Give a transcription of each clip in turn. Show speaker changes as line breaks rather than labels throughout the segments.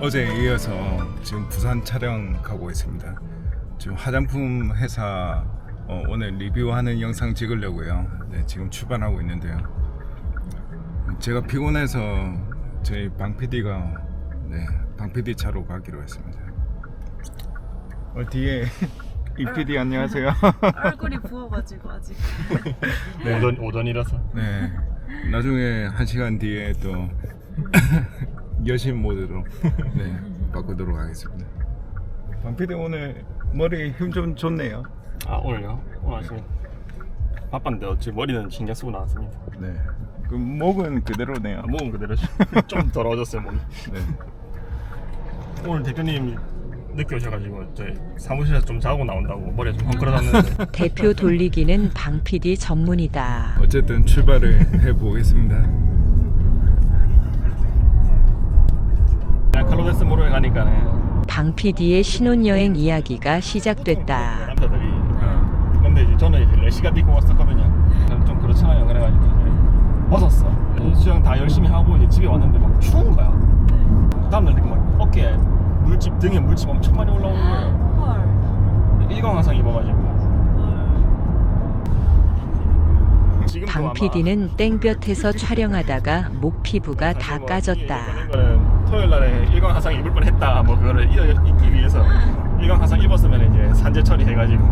어제에 이어서 지금 부산 촬영 가고 있습니다. 지금 화장품 회사 오늘 리뷰하는 영상 찍으려고요. 네, 지금 출발하고 있는데요. 제가 피곤해서 저희 방 PD가 방 PD 차로 가기로 했습니다. 뒤에 이 PD 안녕하세요.
얼굴이 부어가지고 아직.
네. 오전이라서.
네, 나중에 1시간 뒤에 또 여신 모드로 바꾸도록 하겠습니다. 방 PD 오늘 머리 힘 좀 좋네요.
아 오늘요? 오늘 아침 바빴는데 어찌 머리는 신경 쓰고 나왔습니다.
네, 그 목은 그대로네요.
몸은 그대로 좀 더러워졌어요 몸이.
네.
오늘 대표님 늦게 오셔가지고 저희 사무실에서 좀 자고 나온다고 머리가 좀 헝클어졌는데
대표 돌리기는 방 PD 전문이다.
어쨌든 출발을 해보겠습니다.
칼로데스 모로에 가니까는
방 PD의 신혼여행 이야기가 시작됐다.
남자들이 근데 이제 저는 이제 레시가 입고 왔었거든요. 좀 그렇잖아요. 그래가지고 이제 벗었어. 수영 다 열심히 하고 이제 집에 왔는데 막 추운 거야. 다음날 이렇게 막 어깨에 물집 등에 물집 엄청 많이 올라오는 거예요.
헐.
일광화상 입어가지고. 지금도
방
아마
PD는 땡볕에서 촬영하다가 목 피부가 다 까졌다.
이거는 토요일 날에 일광화상 입을 뻔했다. 뭐 그거를 입기 위해서 일광화상 입었으면 이제 산재 처리해가지고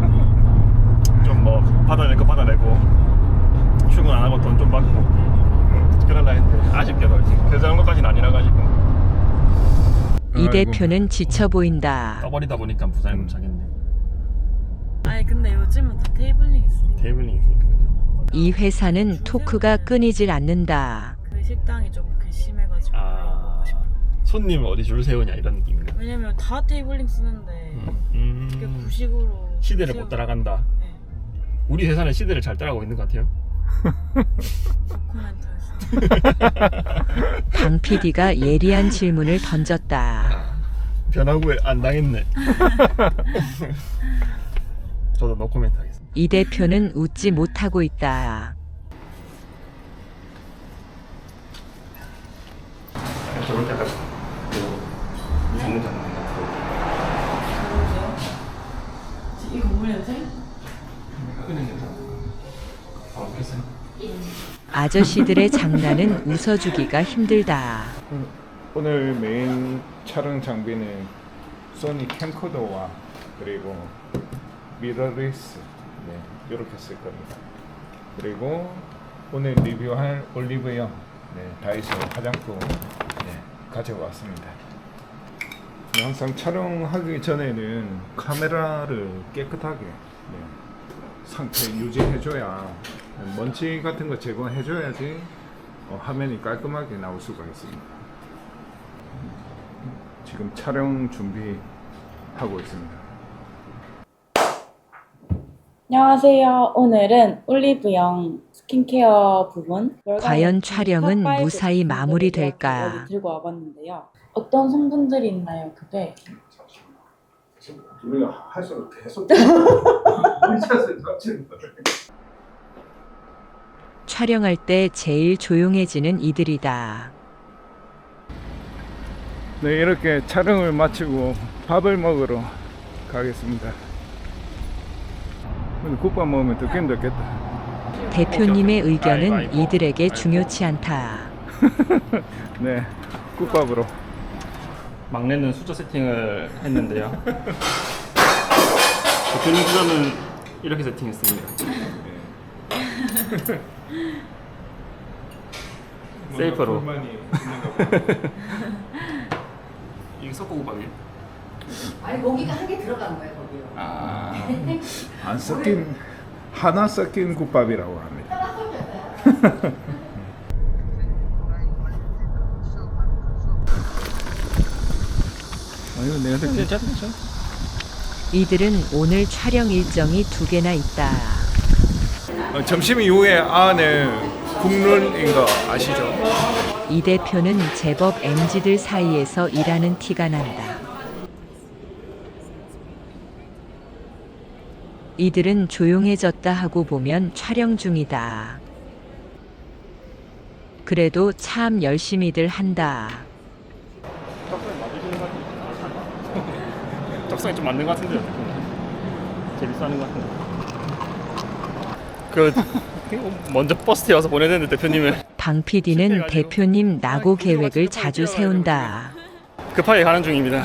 좀 뭐 받아낼 거 받아내고 출근 안 하고 돈 좀 받고 그러려 했는데 아쉽게도 그 정도까지는 아니라 가지고
이 대표는 지쳐 보인다.
떠버리다 보니까 부산에 못 차겠네.
아니 근데 요즘은 다 테이블링 있으니까
테이블링이 있으니까.
이 회사는 토크가 끊이질 않는다.
그 식당이 좀 심해가지고
아 손님 어디 줄 세우냐 이런 느낌인가.
왜냐면 다 테이블링 쓰는데 그게 구식으로
시대를
세우고-
못 따라간다.
네.
우리 회사는 시대를 잘 따라가고 있는 것 같아요.
코멘트였어.
방 PD가 예리한 질문을 던졌다.
변화구에 안 당했네. 저도 노코멘트 하겠습니다.
이 대표는 웃지 못하고 있다.
저럴 때가 무슨
이 건물 냄새?
아저씨들의 장난은 웃어주기가 힘들다.
오늘 메인 촬영 장비는 소니 캠코더와 그리고 미러리스 이렇게 쓸 겁니다. 그리고 오늘 리뷰할 올리브영 다이소 화장품 가져왔습니다. 항상 촬영하기 전에는 카메라를 깨끗하게 상태 유지해줘야 먼지 같은 거 제거해줘야지 화면이 깔끔하게 나올 수가 있습니다. 지금 촬영 준비하고 있습니다.
안녕하세요. 오늘은 올리브영 스킨케어 부분
과연 촬영은
탑5
무사히 마무리될까?
제품들을 들고 와봤는데요. 어떤 성분들이 있나요? 그게
우리가 할수록 계속 혼자서 터치는 거예요.
촬영할 때 제일 조용해지는 이들이다.
네, 이렇게 촬영을 마치고 밥을 먹으러 가겠습니다. 근데 국밥 먹으면 덥긴 덥겠다.
대표님의 의견은 이들에게 중요치 않다.
네, 국밥으로.
막내는 숫자 세팅을 했는데요. 대표님 숫자는 이렇게 세팅했습니다. 세이프로. 이게 석고국밥이에요?
아니 고기가 한 개 들어간 거예요 거기요.
안 섞인 하나 섞인 국밥이라고 합니다. 이거 내가
괜찮죠?
이들은 오늘 촬영 일정이 2개나 있다.
점심 이후에 안에 국룰인 거 아시죠?
이 대표는 제법 MZ들 사이에서 일하는 티가 난다. 이들은 조용해졌다 하고 보면 촬영 중이다. 그래도 참 열심히들 한다.
턱을
적성에 좀 맞는 것 같은데요. 재밌어하는 것 같은데. 그 먼저 버스 태워서 보내야 되는데 대표님을
방 PD는 대표님 낙오 계획을 자주 세운다.
급하게 가는 중입니다.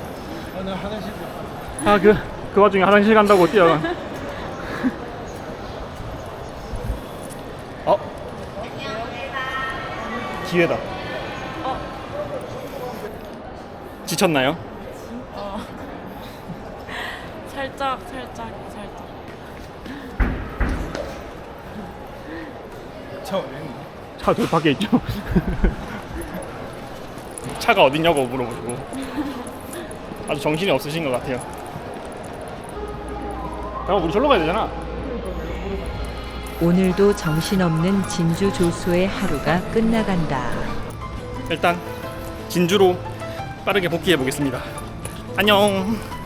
아 그 와중에 화장실 간다고 뛰어가. 기회다. 지쳤나요?
살짝.
차 어디 있나?
차 저 밖에 있죠. 차가 어딨냐고 물어보시고 아주 정신이 없으신 것 같아요. 야, 우리 절로 가야 되잖아.
오늘도 정신없는 진주 조수의 하루가 끝나간다.
일단 진주로 빠르게 복귀해 보겠습니다. 안녕.